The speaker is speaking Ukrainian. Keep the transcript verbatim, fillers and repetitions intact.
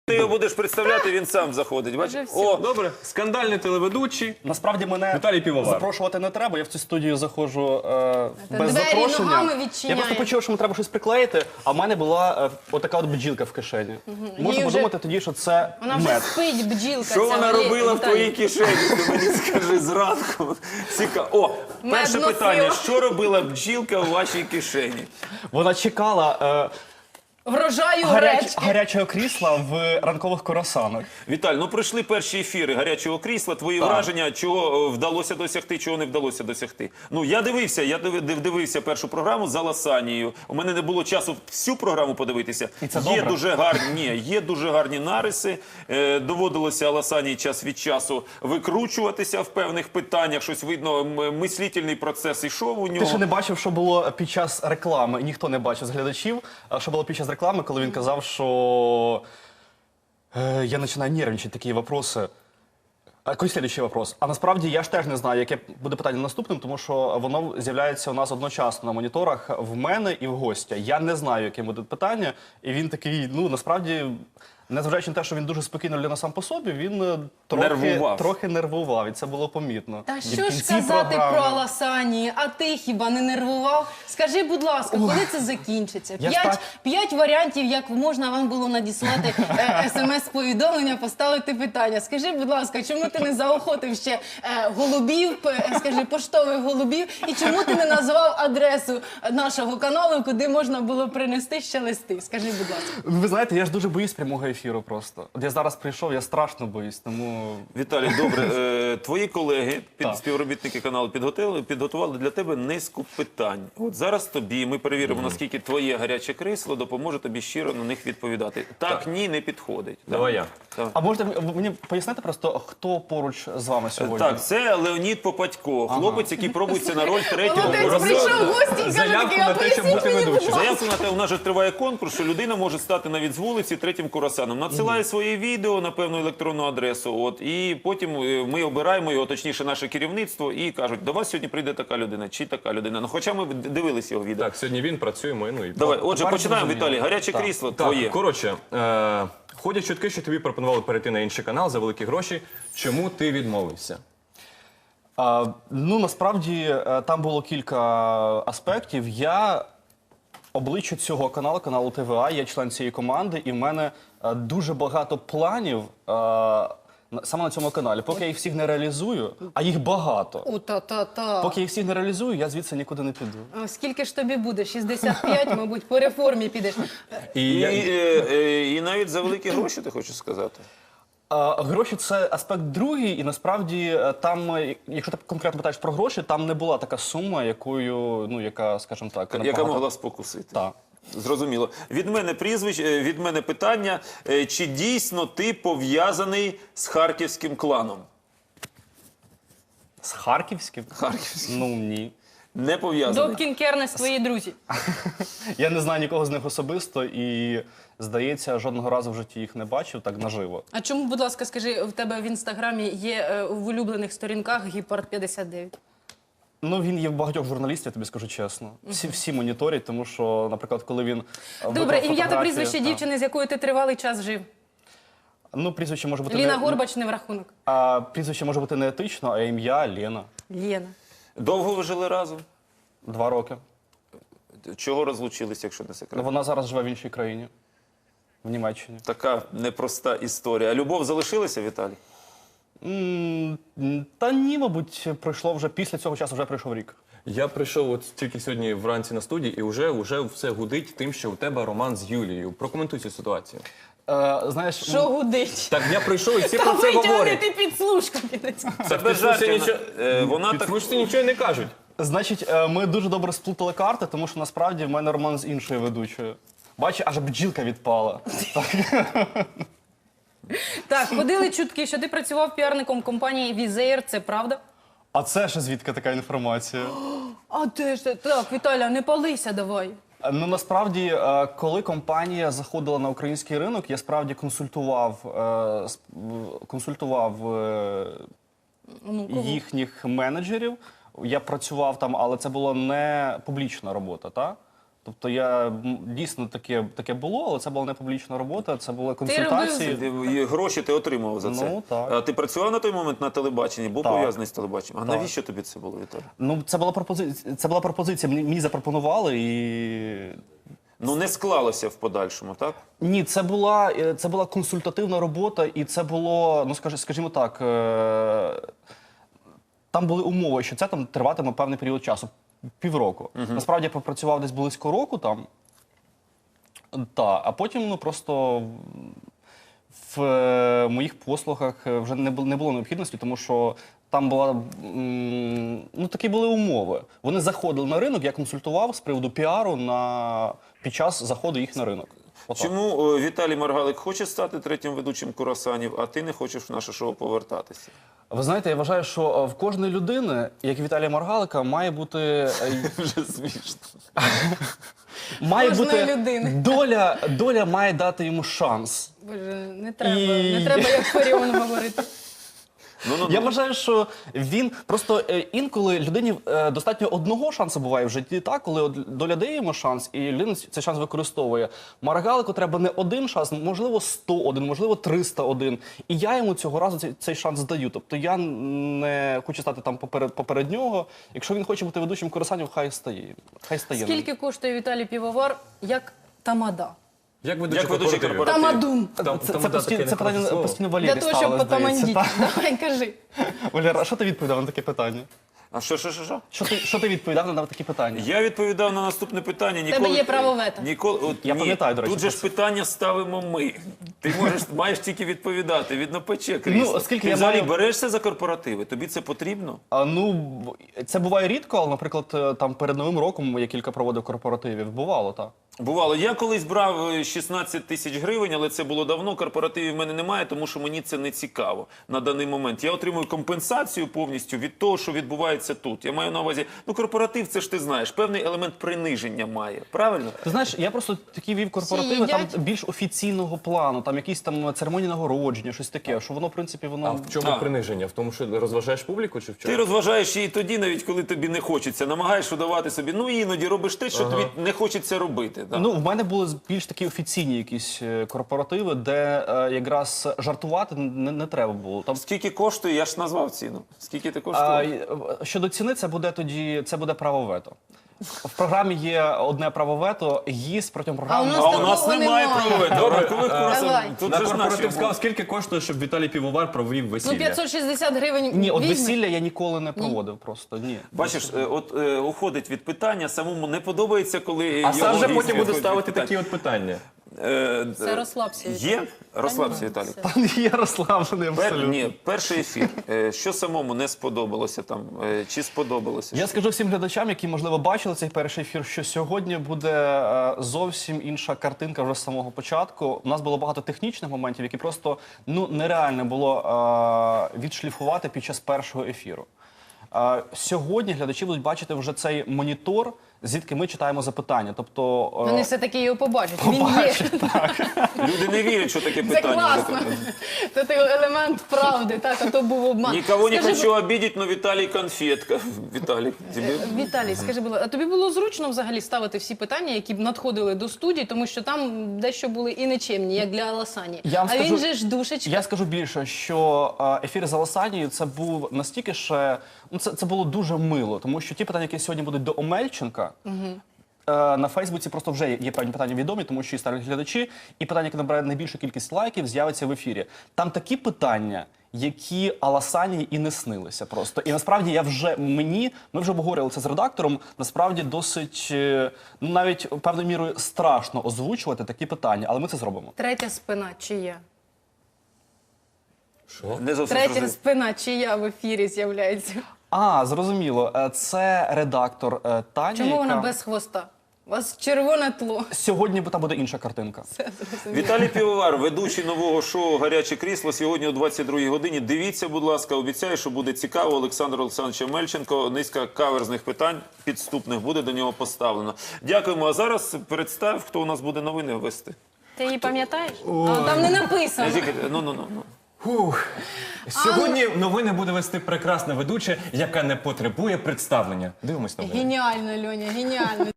Ти його будеш представляти, він сам заходить. Бачиш? О, Добре, скандальний телеведучий. Насправді мене Віталій Півовар. запрошувати не треба, я в цю студію заходжу е, без двері запрошення. ногами Я відчиняє. просто почув, що мені треба щось приклеїти, а в мене була е, отака от бджілка в кишені. Можу Їй вже- подумати тоді, що це Вона вже мед. спить, бджілка. що ця, вона Валерій робила в Віталій. твоїй кишені? Ти мені скажи зранку. Цікаво. О, перше носила. питання. Що робила бджілка у вашій кишені? Вона чекала е, Врожаю гаряч, гречки. гарячого крісла в ранкових курасанах. Віталь, ну пройшли перші ефіри гарячого крісла. Твої враження, чого е, вдалося досягти, чого не вдалося досягти. Ну, я дивився, я див- див- дивився першу програму за Ласанією. У мене не було часу всю програму подивитися. І це є добре. дуже гарні, ні, є дуже гарні нариси. Е, доводилося Ласанії час від часу викручуватися в певних питаннях. Щось видно, м- мислительний процес ішов у нього. Ти ще не бачив, що було під час реклами, ніхто не бачив з глядачів, а що було під час реклами, коли він казав, що е, я починаю нервничати, такі вопроси. А який слідчий вопрос? А насправді я ж теж не знаю, яке буде питання наступним, тому що воно з'являється у нас одночасно на моніторах в мене і в гостя. Я не знаю, яке буде питання, і він такий, ну насправді, незважаючи на те, що він дуже спокійна людина сам по собі, він е, трохи Нервував. трохи нервував, і це було помітно. Та І в що ж кінці казати програми- про Аласані? А ти хіба не нервував? Скажи, будь ласка, коли це закінчиться? Я П'ять, так- п'ять варіантів, як можна вам було надіслати е, смс-повідомлення, поставити питання. Скажи, будь ласка, чому ти не заохотив ще е, голубів, п- е, скажи, поштових голубів, і чому ти не назвав адресу нашого каналу, куди можна було принести ще листи? Скажи, будь ласка. Ви знаєте, я ж дуже боюсь прямого ефіру просто. От я зараз прийшов, я страшно боюсь, тому Віталій, добре. Е, твої колеги, під, Так. співробітники каналу, підготували, підготували для тебе низку питань. От зараз тобі ми перевіримо, наскільки твоє гаряче крісло допоможе тобі щиро на них відповідати. Так, ні, не підходить. Давай я. Так. а можете ви мені пояснити просто, хто поруч з вами сьогодні? Так, це Леонід Попадько, хлопець, який пробується на роль третього. Молодець, прийшов в гості і каже Заявку такий, на а те, щоб поясніть бути мені, будь ведучим. ласка. Заявку на те, у нас же триває конкурс, що людина може стати навіть з вулиці третім курасаном. Надсилає своє відео на певну електронну адресу, от, і потім е, ми обираємо його, точніше наше керівництво, і кажуть, до вас сьогодні прийде така людина, чи така людина. Ну, хоча ми д- дивились його відео. Так, сьогодні він працює, ми, ну і... Давай, отже, Тепер починаємо, зрозуміло. Віталій. Гаряче Так. крісло Так, твоє. коротше, е, ходять чутки, що тобі пропонували перейти на інший канал за великі гроші. Чому ти відмовився? А, ну, насправді, е, там було кілька аспектів. Я обличчя цього каналу, каналу ТВА, я член цієї команди, і в мене е, дуже багато планів е, на- саме на цьому каналі. Поки я їх всіх не реалізую, а їх багато. У, та-та-та. Поки я їх всіх не реалізую, я звідси нікуди не піду. А скільки ж тобі буде? шістдесят п'ять, мабуть, по реформі підеш. І, І, я- е, е, і навіть за великі гроші, ти хочеш сказати? А, гроші це аспект другий, і насправді е, там, е, якщо ти конкретно питаєш про гроші, там не була така сума, якою, ну яка, скажімо так, Яка набагато- могла спокусити? Так. Зрозуміло. Від мене прізвище, е, від мене питання. Е, Чи дійсно ти пов'язаний з харківським кланом? З Харківським? Харківським. Ну ні. Не пов'язаний. Добкін Кернес, твої друзі. Я не знаю нікого з них особисто і, здається, жодного разу в житті їх не бачив так наживо. А чому, будь ласка, скажи, в тебе в інстаграмі є е, в улюблених сторінках Гіпард п'ятдесят дев'ять? Ну, він є в багатьох журналістів, я тобі скажу чесно. Всі, всі моніторять, тому що, наприклад, коли він... Добре, ім'я та прізвище так. дівчини, з якою ти тривалий час жив. Ну, прізвище може бути Ліна не... Горбач не в рахунок. А, прізвище може бути не етично, а ім'я Лена. Лєна. Довго ви жили разом? Два роки. Чого розлучились, якщо не Ну, секрет? вона зараз живе в іншій країні. В Німеччині. Така непроста історія. А любов залишилася, Віталій? М, Та ні, мабуть, пройшло вже після цього часу вже пройшов рік. я прийшов от тільки сьогодні вранці на студії, і вже, вже все гудить тим, що у тебе роман з Юлією. Прокоментуй цю ситуацію. Е, знаєш, Що гудить? Так, я прийшов, і всі Та про це говорять. витягнути підслужку кінець. Це без жартів. нічого- Е, Вона так... Підслужці нічого не кажуть. значить, е, ми дуже добре сплутали карти, тому що насправді в мене роман з іншою ведучою. Бачиш, аж бджілка відпала. Так, ходили чутки, що ти працював піарником компанії Візеєр, це правда? А це ще звідки така інформація? А де ж ти? Так, Віталя, не палися давай. Е, Ну насправді, е, коли компанія заходила на український ринок, я справді консультував, е, сп- в- консультував е, Ну, кого? їхніх менеджерів. Я працював там, але це була не публічна робота, та? Тобто я м, дійсно таке, таке було, але це була не публічна робота, це були робив консультації. І гроші ти отримав за це. Ну, так. А ти працював на той момент на телебаченні, був Так. пов'язаний з телебаченням. А Так. навіщо тобі це було, Віталій? Ну, це була пропозиція. Це була пропозиція. Мені, мені запропонували і. Ну не склалося в подальшому, так? Ні, це була, е, це була консультативна робота, і це було, ну скажі- скажімо так, е, там були умови, що це там триватиме певний період часу, півроку. Насправді я попрацював десь близько року там. Та, а потім ну, просто в е, моїх послугах е, вже не було, не було необхідності, тому що там була, м, ну, такі були умови. Вони заходили на ринок, я консультував з приводу піару на, під час заходу їх на ринок. Отак. Чому о, Віталій Маргалик хоче стати третім ведучим «Курасанів», а ти не хочеш в наше шоу повертатися? Ви знаєте, я вважаю, що е, в кожної людини, як і Віталія Маргалика, має бути, е, Вже смішно. має Кожної бути людини. доля, доля має дати йому шанс. Боже, не треба, І- не треба як Фаріон говорити. Ну, ну, Я ну. вважаю, що він просто е, інколи людині е, достатньо одного шансу буває в житті, так, коли от доля дає йому шанс, і людина цей шанс використовує. Маргалику треба не один шанс, можливо, сто один, можливо, триста один. І я йому цього разу цей, цей шанс даю. Тобто я не хочу стати там поперед, поперед нього. Якщо він хоче бути ведучим «Курасанів», хай стає. Хай стає. Скільки коштує Віталій Півовар як тамада? Як ведучий Як ведучий корпоративів? корпоративів? Тамадун. Там- Це, там це, да, постійно, таке це питання непрофесійне. постійно Для Валері того, щоб ставили, здається. потамандіть. Так. Давай, кажи. Валера, а що ти відповідав на таке питання? А що, що, що, що? Що ти, що ти відповідав на такі питання? Я відповідав на наступне питання. Ніколи, є право вето. Ніколи, от, Я ні, пам'ятаю, до речі, Тут же про ж це. питання ставимо ми. Ти можеш, маєш тільки відповідати. Видно, пече крісло. Ну, оскільки Ти я взагалі маю- берешся за корпоративи? Тобі це потрібно? А, ну, б- це буває рідко, але, наприклад, е, там перед Новим роком я кілька проводив корпоративів. Бувало, так. Бувало. Я колись брав е, шістнадцять тисяч гривень, але це було давно. Корпоративів в мене немає, тому що мені це не цікаво на даний момент. Я отримую компенсацію повністю від того, що відбувається тут. Я маю на увазі, ну корпоратив, це ж ти знаєш, певний елемент приниження має. Правильно? Ти знаєш, я просто такі вів корпоративи Всі там їдять? більш офіційного плану, там якісь там церемонії нагородження, щось таке, що воно, в принципі, А воно... в чому А. приниження? В тому, що розважаєш публіку чи в чому? Ти розважаєш її тоді, навіть коли тобі не хочеться. Намагаєш удавати собі. Ну іноді робиш те, що тобі не хочеться робити. Да. Ну, в мене були більш такі офіційні якісь е, корпоративи, де е, якраз жартувати не, не треба було. Там Скільки коштує? Я ж назвав ціну. Скільки ти А, коштує? й- щодо ціни, це буде тоді це буде право вето. В програмі є одне право вето, гість протягом А у програми. нас А у такого нас немає немає. правове. Добре, Ранкових а, курасів. давай. Тут На же ж наші. корпоратив сказав, скільки коштує, щоб Віталій Півовар провів весілля? Ну, п'ятсот шістдесят гривень Ні, от візьме. весілля я ніколи не проводив просто. Ні. Бачиш, е, от е, уходить від питання, самому не подобається, коли А його сам же гість потім буде виходить від ставити питань. такі от питання. Е, Все, е, розслабся, Віталій. Є? Розслабся, Та ні, Віталій. все. Та я розслаблений Пер, абсолютно. ні, перший ефір. Е, Що самому не сподобалося там? Е, Чи сподобалося? Я скажу всім глядачам, які, можливо, бачили цей перший ефір, що сьогодні буде е, зовсім інша картинка вже з самого початку. У нас було багато технічних моментів, які просто ну, нереально було е, відшліфувати під час першого ефіру. Е, сьогодні глядачі будуть бачити вже цей монітор, звідки ми читаємо запитання. Тобто, е, Вони все-таки його побачать. Він є. побачать, так. Люди не вірять, що таке Це питання. класно. Це той елемент правди, так, а то був обман. Никого не Скажи, хочу обидеть, но Виталий конфетка. Виталий, тебе... Віталій, скажи, будь ласка, а тобі було зручно взагалі ставити всі питання, які б надходили до студії, тому що там дещо були і нечемні, як для Аласані. Я вам А він скажу- же ж душечка. Я скажу більше, що е, ефір з Аласанією це був настільки ще, ну це, це було дуже мило, тому що ті питання, які сьогодні будуть до Омельченка, е, на Фейсбуці просто вже є певні питання відомі, тому що і старі глядачі, і питання, яке набирає найбільшу кількість лайків, з'явиться в ефірі. Там такі питання, які Аласанії і не снилися просто. І насправді я вже мені, ми вже обговорювали це з редактором, насправді досить, е, ну навіть певною мірою страшно озвучувати такі питання, але ми це зробимо. Третя спина чия? Що? Не зовсім Третя зрозумів. спина чия в ефірі з'являється? А, зрозуміло. Е, Це редактор е, Таня, Чому яка... вона без хвоста? У вас червоне тло. Сьогодні там буде інша картинка. Це зрозуміло. Віталій Півовар, ведучий нового шоу «Гаряче крісло» сьогодні о двадцять другій годині. Дивіться, будь ласка, обіцяю, що буде цікаво. Олександр Олександрович Мельченко, низка каверзних питань підступних буде до нього поставлено. Дякуємо. А зараз представ, хто у нас буде новини вести. Ти її пам'ятаєш? А там не написано. Ну, ну, ну, ну. Фух. Сьогодні новини буде вести прекрасна ведуча, яка не потребує представлення. Дивимось новини. Геніально, Льоня, геніально.